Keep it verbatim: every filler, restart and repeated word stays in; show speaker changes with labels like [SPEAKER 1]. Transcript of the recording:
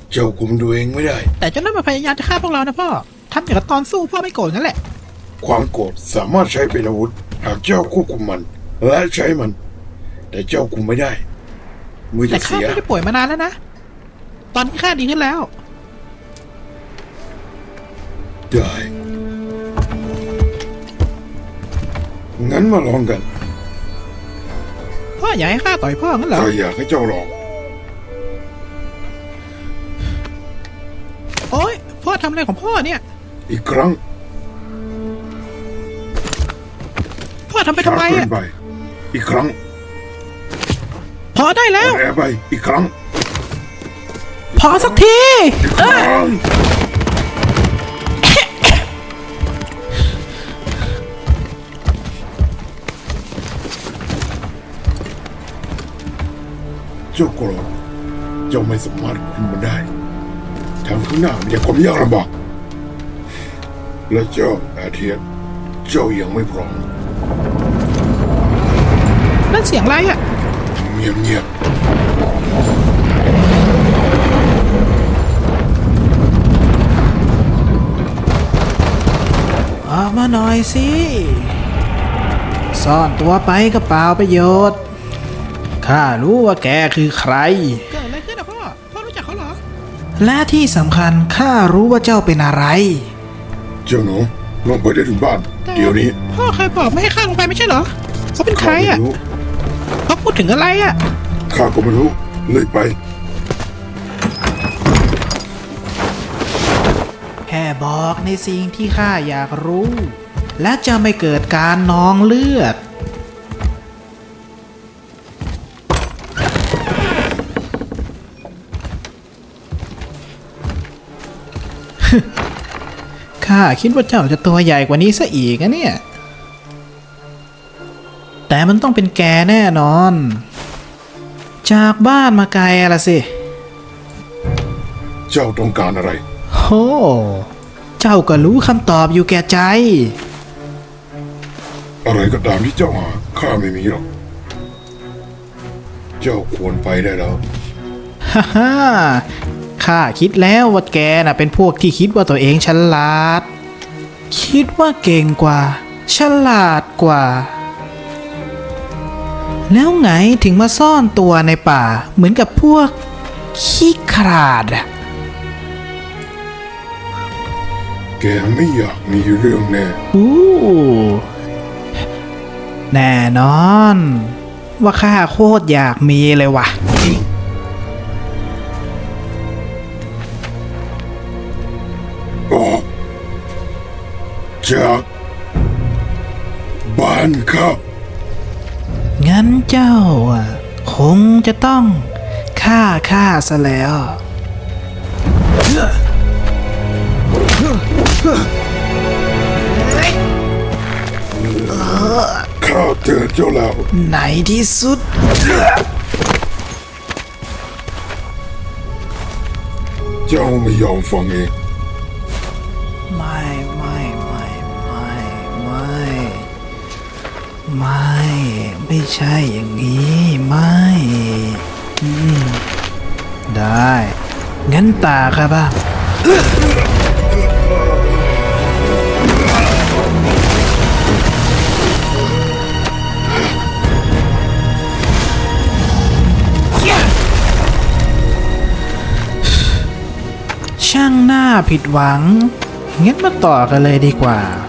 [SPEAKER 1] เจ้าคุมตัวเองไม่ได้
[SPEAKER 2] แต่เจ้านั่นมาพยายามจะฆ่าพวกเรานะพ่อทำอย่างกับตอนสู้พ่อไม่โกรธงั้นแหละ
[SPEAKER 1] ความโกรธสามารถใช้เป็นอาวุธหากเจ้าควบคุมมันและใช้มัน แต่เจ้าคุมไม่ได้มือจะ
[SPEAKER 2] แต่ข้า
[SPEAKER 1] เสีย
[SPEAKER 2] ไม่ได้ป่วยมานานแล้วนะตอนนี้ข้าดีขึ้นแล้ว
[SPEAKER 1] ได้งั้นมาลองกัน
[SPEAKER 2] พ่ออยากให้ข้าต่อยพ่องั้นเหรอ
[SPEAKER 1] ข้าอยากให้เจ้าลอง
[SPEAKER 2] โอ๊ยพ่อทำอะไรของพ่อเนี่ย
[SPEAKER 1] อีกครั้ง
[SPEAKER 2] พ่อทำไปทำไมอ่ะ
[SPEAKER 1] อีกครั้ง
[SPEAKER 2] พอได้แล้ว
[SPEAKER 1] แอบไปอีกครั้ง
[SPEAKER 2] พอสักที
[SPEAKER 1] อีกครั้งเจ้าโกรธเจ้าไม่สามารถคุมมันได้ทางข้างหน้ามีแต่ความยากลำบากและเจ้าอาเทียนเจ้ายังไม่พร้อม
[SPEAKER 2] นั่นเสียงอะไรอ่ะ
[SPEAKER 1] เงียบเงียบ
[SPEAKER 2] ออกมาหน่อยสิซ่อนตัวไปก็เปล่าประโยชน์ข้ารู้ว่าแกคือใครเกิดอะไรขึ้นนะพ่อพ่อรู้จักเขาเหรอและที่สำคัญข้ารู้ว่าเจ้าเป็นอะไร
[SPEAKER 1] เจ้าหนูลงไปได้ถึงบ้านเดี๋ยวนี้
[SPEAKER 2] พ่อเคยบอกไม่ให้ข้าลงไปไม่ใช่เหรอเขาเป็นใครอ่ะเขาพูดถึงอะไรอ่ะ
[SPEAKER 1] ข้าก็ไม่รู้เลยไป
[SPEAKER 2] แค่บอกในสิ่งที่ข้าอยากรู้และจะไม่เกิดการนองเลือดข้าคิดว่าเจ้าจะตัวใหญ่กว่านี้ซะอีกนะเนี่ยแต่มันต้องเป็นแกแน่นอนจากบ้านมาไกลละสิ
[SPEAKER 1] เจ้าต้องการอะไร
[SPEAKER 2] โอ้เจ้าก็รู้คำตอบอยู่แก่ใจ
[SPEAKER 1] อะไรก็ตามที่เจ้าหาข้าไม่มีหรอกเจ้าควรไปได้แล้ว
[SPEAKER 2] ฮ่าฮ่าข้าคิดแล้วว่าแกน่ะเป็นพวกที่คิดว่าตัวเองฉลาดคิดว่าเก่งกว่าฉลาดกว่าแล้วไงถึงมาซ่อนตัวในป่าเหมือนกับพวกขี้ขลาดอะ
[SPEAKER 1] แกไม่อยากมีเรื่องแน่
[SPEAKER 2] อู้แน่นอนว่าข้าโคตรอยากมีเลยว่ะ
[SPEAKER 1] ออกจากบ้านข้า
[SPEAKER 2] งั้นเจ้าอ่ะคงจะต้องฆ่าข้าซะแล้ว
[SPEAKER 1] ข้าเจอเจ้าแล้ว
[SPEAKER 2] ในที่สุด
[SPEAKER 1] เจ้าไม่ยอมฟังเอง
[SPEAKER 2] ไม่ไม่ไม่ไม่ไม่ไม่ไม่ใช่อย่างนี้ไม่อืมได้งั้นตาค่ะบ้างช่างหน้าผิดหวังงั้นมาต่อกันเลยดีกว่า